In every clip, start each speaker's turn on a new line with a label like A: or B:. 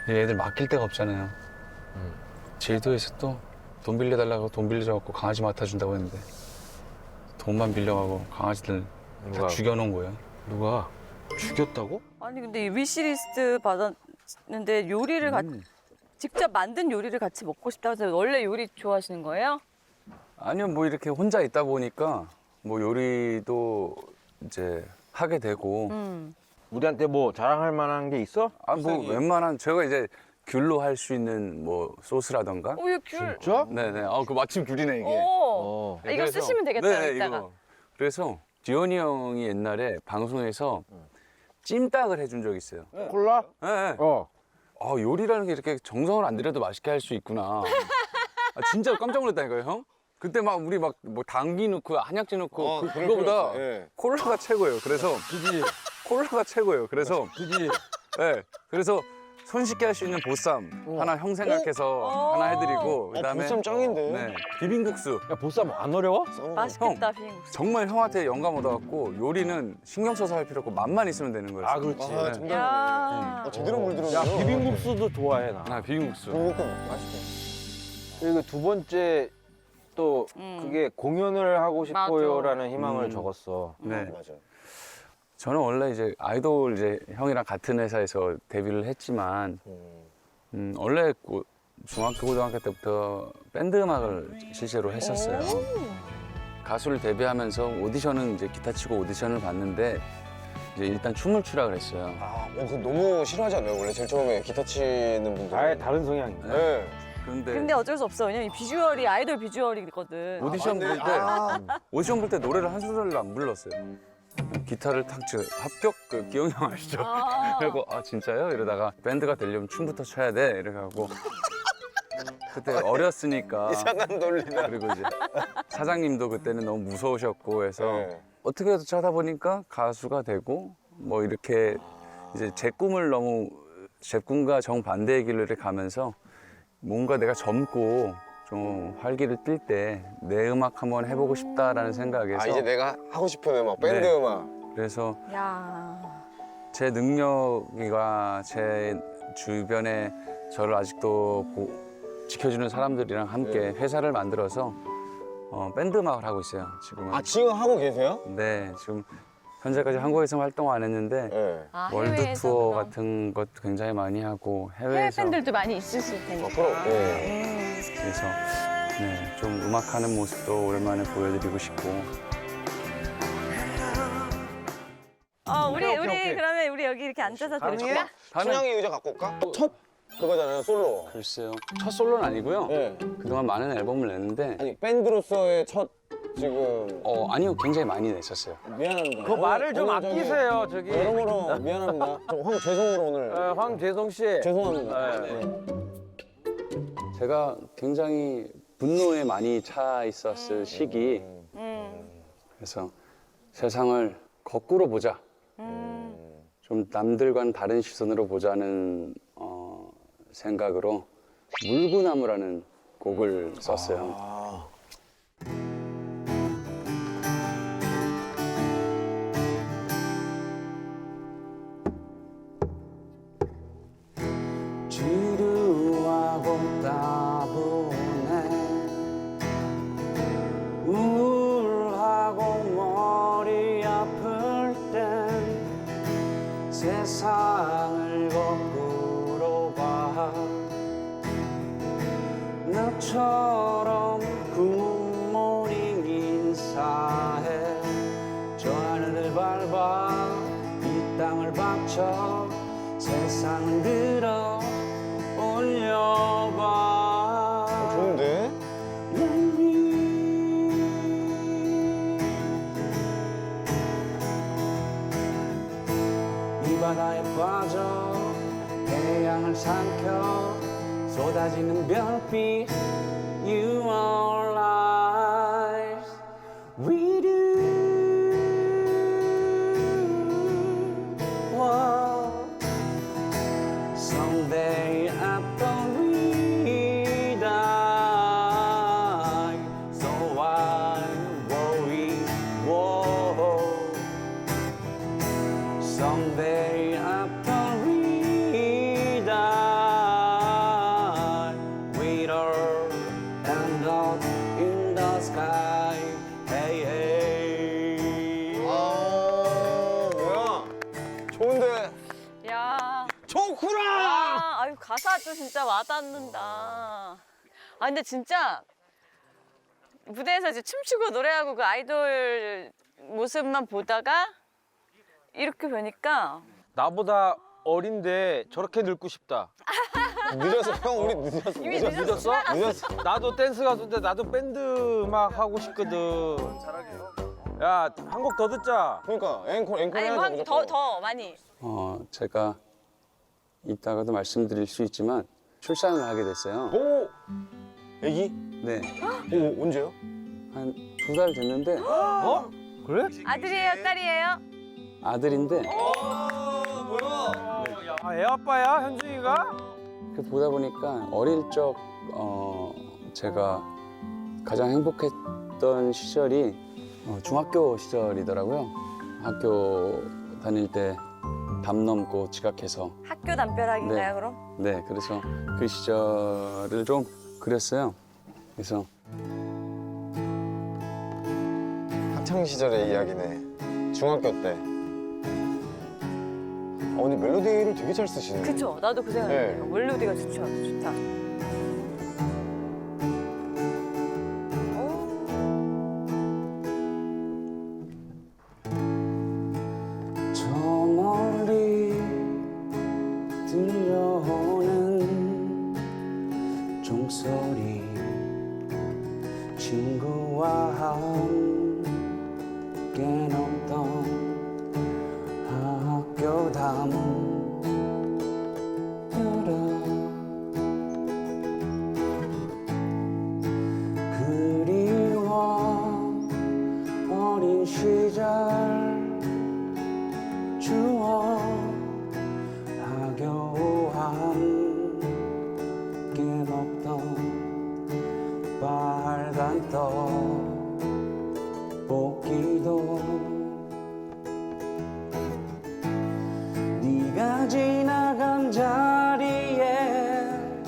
A: 얘들 맡길 데가 없잖아요. 제주도에서 또 돈 빌려달라고 돈 빌려줘갖고 강아지 맡아준다고 했는데 돈만 빌려가고 강아지들 다
B: 누가?
A: 죽여놓은 거예요.
B: 누가? 죽였다고?
C: 아니 근데 이 위시리스트 받았는데 요리를 직접 만든 요리를 같이 먹고 싶다고 해서 원래 요리 좋아하시는 거예요?
A: 아니요, 뭐 이렇게 혼자 있다 보니까 뭐 요리도 이제 하게 되고
B: 우리한테 뭐 자랑할 만한 게 있어?
A: 아 뭐 웬만한 제가 이제 귤로 할 수 있는 뭐 소스라던가
C: 오, 이거 귤.
B: 진짜?
A: 네네 그 마침 귤이네 이게.
C: 오. 아, 이거
A: 그래서-
C: 쓰시면 되겠다,
A: 네,
C: 이따가.
A: 이거. 그래서 지원이 형이 옛날에 방송에서 찜닭을 해준 적이 있어요.
B: 콜라?
A: 네, 네.
B: 어.
A: 아, 요리라는 게 이렇게 정성을 안 들여도 맛있게 할 수 있구나. 아, 진짜 깜짝 놀랐다니까요, 형. 그때 막 우리 막 뭐 당귀 넣고 한약재 넣고 그거보다
D: 예.
A: 콜라가 최고예요. 그래서
B: 그지?
A: 콜라가 최고예요. 그래서
B: 그지?
A: 네, 그래서 손쉽게 할 수 있는 보쌈 하나 형 생각해서 하나 해드리고 그다음에
D: 보쌈 짱인데?
A: 네, 비빔국수.
B: 야, 보쌈 안 어려워?
C: 맛있겠다, 비빔국수.
A: 정말 형한테 영감 얻어갖고 요리는 신경 써서 할 필요 없고 맛만 있으면 되는 거예요.
B: 아, 그렇지.
D: 아, 정답이네.
C: 야.
D: 제대로 물들었네요.
B: 야, 비빔국수도 좋아해, 나.
A: 아, 비빔국수.
D: 비빔국수 맛있대.
B: 그리고 두 번째 또 그게 공연을 하고 싶어요라는 희망을 적었어.
A: 네.
D: 맞아.
A: 저는 원래 이제 아이돌 이제 형이랑 같은 회사에서 데뷔를 했지만 원래 중학교 고등학교 때부터 밴드 음악을 실제로 했었어요. 가수를 데뷔하면서 오디션은 이제 기타 치고 오디션을 봤는데 이제 일단 춤을 추라 그랬어요.
D: 아, 그거 너무 싫어하지 않나요? 원래 제일 처음에 기타 치는 분들.
B: 아예 다른 성향이네.
D: 네.
A: 그런데
C: 근데 어쩔 수 없어. 왜냐면 이 비주얼이 아이돌 비주얼이거든.
A: 오디션 볼 때 오디션 볼 때 노래를 한 소절도 안 불렀어요. 기타를 탁 치고 합격 그 기영이 형 아시죠? 그리고 아 진짜요? 이러다가 밴드가 되려면 춤부터 춰야 돼 이렇게 하고 그때 어렸으니까
D: 이상한 논리다.
A: 그리고 이제 사장님도 그때는 너무 무서우셨고 해서
D: 네.
A: 어떻게 해서 차다 보니까 가수가 되고 뭐 이렇게 이제 제 꿈을 너무 제 꿈과 정반대의 길로 이렇게 가면서 뭔가 내가 젊고 좀 활기를 띨 때 내 음악 한번 해보고 싶다라는 생각에서
D: 아, 이제 내가 하고 싶은 음악, 밴드
A: 네.
D: 음악.
A: 그래서
C: 야.
A: 제 능력이와 제 주변에 저를 아직도 지켜주는 사람들이랑 함께 회사를 만들어서 밴드 음악을 하고 있어요. 지금은.
D: 아, 지금 하고 계세요?
A: 네, 지금 현재까지 한국에서 활동 안 했는데
D: 네.
C: 아,
A: 월드
C: 해외에서
A: 투어
C: 그럼.
A: 같은 것도 굉장히 많이 하고
C: 해외
A: 해외에서
C: 팬들도 많이 있으실 테니까.
D: 그럼. 네.
A: 그래서 네, 좀 음악하는 모습도 오랜만에 보여드리고 싶고
C: 우리
B: 오케이.
C: 그러면 우리 여기 이렇게 앉아서 들을까?
D: 춘향이 의자 갖고 올까? 첫 그거잖아요, 솔로.
A: 글쎄요. 첫 솔로는 아니고요.
D: 네.
A: 그동안 많은 앨범을 냈는데
D: 아니, 밴드로서의 첫 지금
A: 아니요. 굉장히 많이 냈었어요.
D: 미안합니다.
B: 그 말을 좀
D: 오늘 저기
B: 아끼세요, 저기.
D: 여러모로 미안합니다. 황 죄송으로 오늘
B: 황재성 씨.
D: 죄송합니다.
B: 네.
D: 네.
A: 제가 굉장히 분노에 많이 차 있었을 시기 그래서 세상을 거꾸로 보자. 좀 남들과는 다른 시선으로 보자는 생각으로 물구나무라는 곡을 썼어요.
D: 아,
A: 지루하고 따분해 우울하고 머리 아플 땐 세상을 거꾸로 봐 너처럼 굿모닝 인사해 저 하늘을 밟아 이 땅을 박쳐 세상을 들어 올려봐
D: 좋은데?
A: 이 바다에 빠져 태양을 삼켜 쏟아지는 별빛 You are life with you Whoa. Someday after we die So why worry Whoa. Someday after we die
C: 아유 가사도 진짜 와닿는다. 아 근데 진짜 무대에서 이제 춤추고 노래하고 그 아이돌 모습만 보다가 이렇게 보니까
B: 나보다 어린데 저렇게 늙고 싶다.
D: 늦었어. 형 우리 늦었어.
C: 이미
B: 늦었어?
D: 늦었어.
B: 나도 댄스 가수인데 나도 밴드 막 하고 싶거든. 야, 한 곡 더 듣자.
D: 그러니까 앵콜
C: 아니
D: 해야죠
C: 뭐
D: 무조건.
C: 더 많이.
A: 제가 이따가도 말씀드릴 수 있지만 출산을 하게 됐어요.
D: 오. 애기?
A: 네,
D: 오 언제요?
A: 한 2달 됐는데
B: 어? 그래?
C: 아들이에요, 딸이에요?
A: 아들인데
B: 아, 애 아빠야, 현중이가?
A: 그 보다 보니까 어릴 적 제가 가장 행복했던 시절이 중학교 시절이더라고요. 학교 다닐 때 담 넘고 지각해서
C: 학교 담벼락인가요,
A: 네.
C: 그럼?
A: 네, 그래서 그 시절을 좀 그렸어요. 그래서
D: 학창 시절의 이야기네. 중학교 때. 근데 멜로디를 되게 잘 쓰시네.
C: 그쵸, 나도 그 생각해요.
D: 네.
C: 멜로디가 좋다.
A: 저 멀리 들려오는 종소리 친구와 함께 넘던 학교 담벼락 그리워 어린 시절 추억 하교 함께 먹던 빨간 떡볶이도 네가 지나간 자리에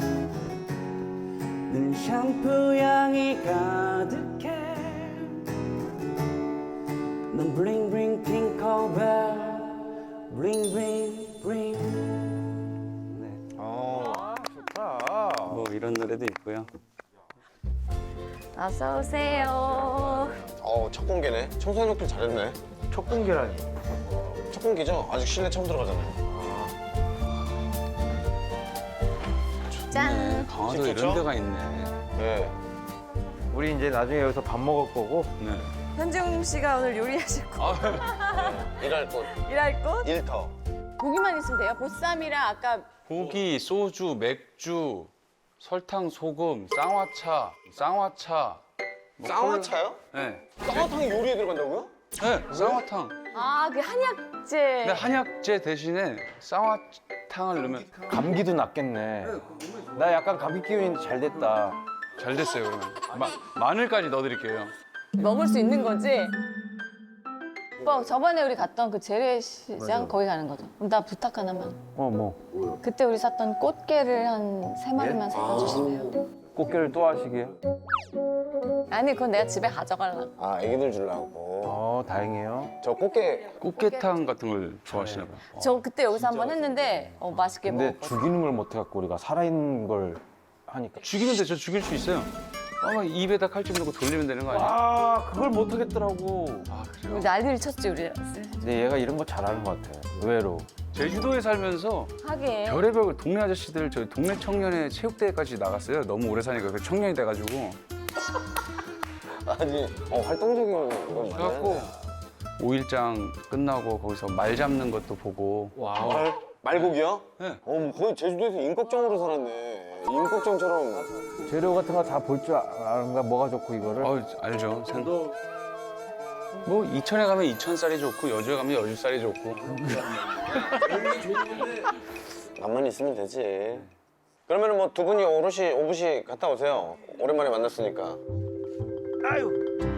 A: 늘 샴푸 향이 가득해 넌 블링 블링 팅커벨 블링 블링 블링 네,
B: 좋다.
A: 뭐 이런 노래도 있고요.
C: 어서 오세요.
D: 첫 공개네. 청소년들 잘했네.
B: 첫 공개라니.
D: 첫 공개죠? 아직 실내 처음 들어가잖아요.
C: 짠.
A: 강화도
D: 좋죠?
A: 이런 데가 있네.
D: 네.
B: 우리 이제 나중에 여기서 밥 먹을 거고.
A: 네.
C: 현중 씨가 오늘 요리하실 거.
D: 일할 곳.
C: 일할 곳?
D: 일터.
C: 고기만 있으면 돼요? 보쌈이랑 아까
A: 고기, 소주, 맥주, 설탕, 소금, 쌍화차. 뭐
D: 쌍화차요?
A: 네.
D: 쌍화탕이 요리에 들어간다고요?
A: 네, 쌍화탕.
C: 그 한약재.
A: 근데 한약재 대신에 쌍화탕을 넣으면
B: 감기도 낫겠네. 나 약간 감기 기운이 잘 됐다.
A: 잘 됐어요, 그러면. 마늘까지 넣어드릴게요.
E: 먹을 수 있는 거지? 오빠 저번에 우리 갔던 그 재래시장 거기 가는 거죠? 그럼 나 부탁 하나만.
B: 뭐.
E: 그때 우리 샀던 꽃게를 한 3마리만 사다 주시면.
B: 꽃게를 또 하시게요?
E: 아니 그건 내가 집에 가져가려고.
D: 애기들 주려고.
B: 다행이에요.
D: 저 꽃게
A: 꽃게탕 같은 걸 좋아하시나 봐요.
E: 저 그때 여기서 한번 했는데 맛있게
B: 근데
E: 먹었거든.
B: 죽이는 걸 못 해갖고 우리가 살아있는 걸 하니까.
A: 죽이면 돼, 저 죽일 수 있어요. 입에다 칼집 넣고 돌리면 되는 거 아니에요?
B: 그걸 못 하겠더라고.
A: 그래요?
E: 난리를 쳤지 우리.
B: 근데 얘가 이런 거 잘하는 것 같아. 의외로.
A: 제주도에 살면서
E: 하긴.
A: 별의별 동네 아저씨들 저희 동네 청년회 체육대회까지 나갔어요. 너무 오래 사니까 그 청년이 돼가지고.
D: 아니 활동적인 건
A: 그래갖고
D: 맞아요.
A: 5일장 끝나고 거기서 말 잡는 것도 보고.
D: 말고기요?
A: 네.
D: 거의 제주도에서 임꺽정으로 살았네. 임꺽정처럼.
B: 재료 같은 거 다 볼 줄 아는가? 뭐가 좋고 이거를?
A: 알죠. 뭐 이천에 가면 이천쌀이 좋고 여주에 가면 여주쌀이 좋고.
D: 남만 있으면 되지. 그러면 뭐 두 분이 오붓이 갔다 오세요. 오랜만에 만났으니까.
B: 아유.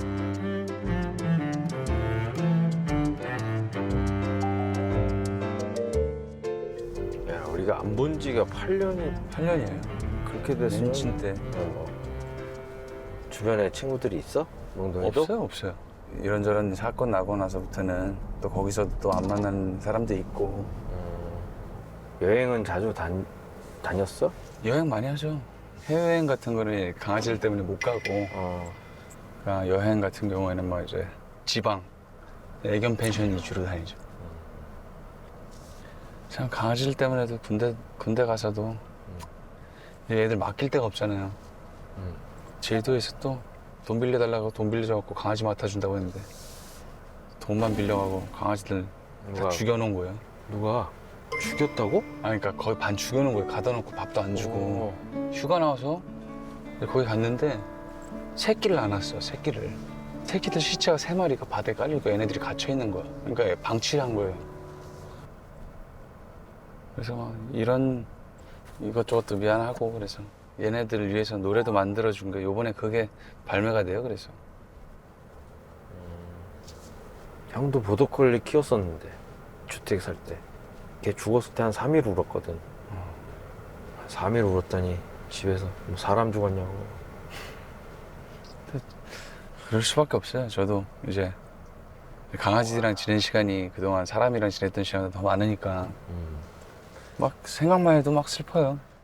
B: 야, 우리가 안 본 지가
A: 8년이에요.
B: 그렇게 됐으면
A: 멘친 때.
B: 주변에 친구들이 있어? 몽동이도?
A: 없어요. 이런저런 사건 나고 나서부터는 또 거기서도 또 안 만나는 사람도 있고.
B: 여행은 자주 다녔어?
A: 여행 많이 하죠. 해외여행 같은 거는 강아지들 때문에 못 가고 그러니까 여행 같은 경우에는 뭐 이제 지방 애견 펜션 위주로 다니죠. 참 강아지들 때문에도 군대 가서도 애들 맡길 데가 없잖아요. 제주도에서 또 돈 빌려달라고 돈 빌려줘갖고 강아지 맡아준다고 했는데 돈만 빌려가고 강아지들
B: 누가?
A: 다 죽여놓은 거예요.
B: 누가 죽였다고?
A: 아니 그러니까 거의 반 죽여놓은 거예요. 가다 놓고 밥도 안 주고 휴가 나와서 거기 갔는데 새끼를 안 왔어. 새끼들 시체가 3마리가 바다에 깔리고 얘네들이 갇혀 있는 거야. 그러니까 방치한 거예요. 그래서 막 이런 이것저것도 미안하고 그래서 얘네들을 위해서 노래도 만들어준 거 요번에 그게 발매가 돼요. 그래서
B: 형도 보더콜리 키웠었는데 주택 살 때. 걔 죽었을 때 한 3일 울었거든. 3일 울었더니 집에서 뭐 사람 죽었냐고.
A: 그럴 수밖에 없어요. 저도 이제 강아지랑 지낸 시간이 그동안 사람이랑 지냈던 시간이 더 많으니까 막 생각만 해도 막 슬퍼요.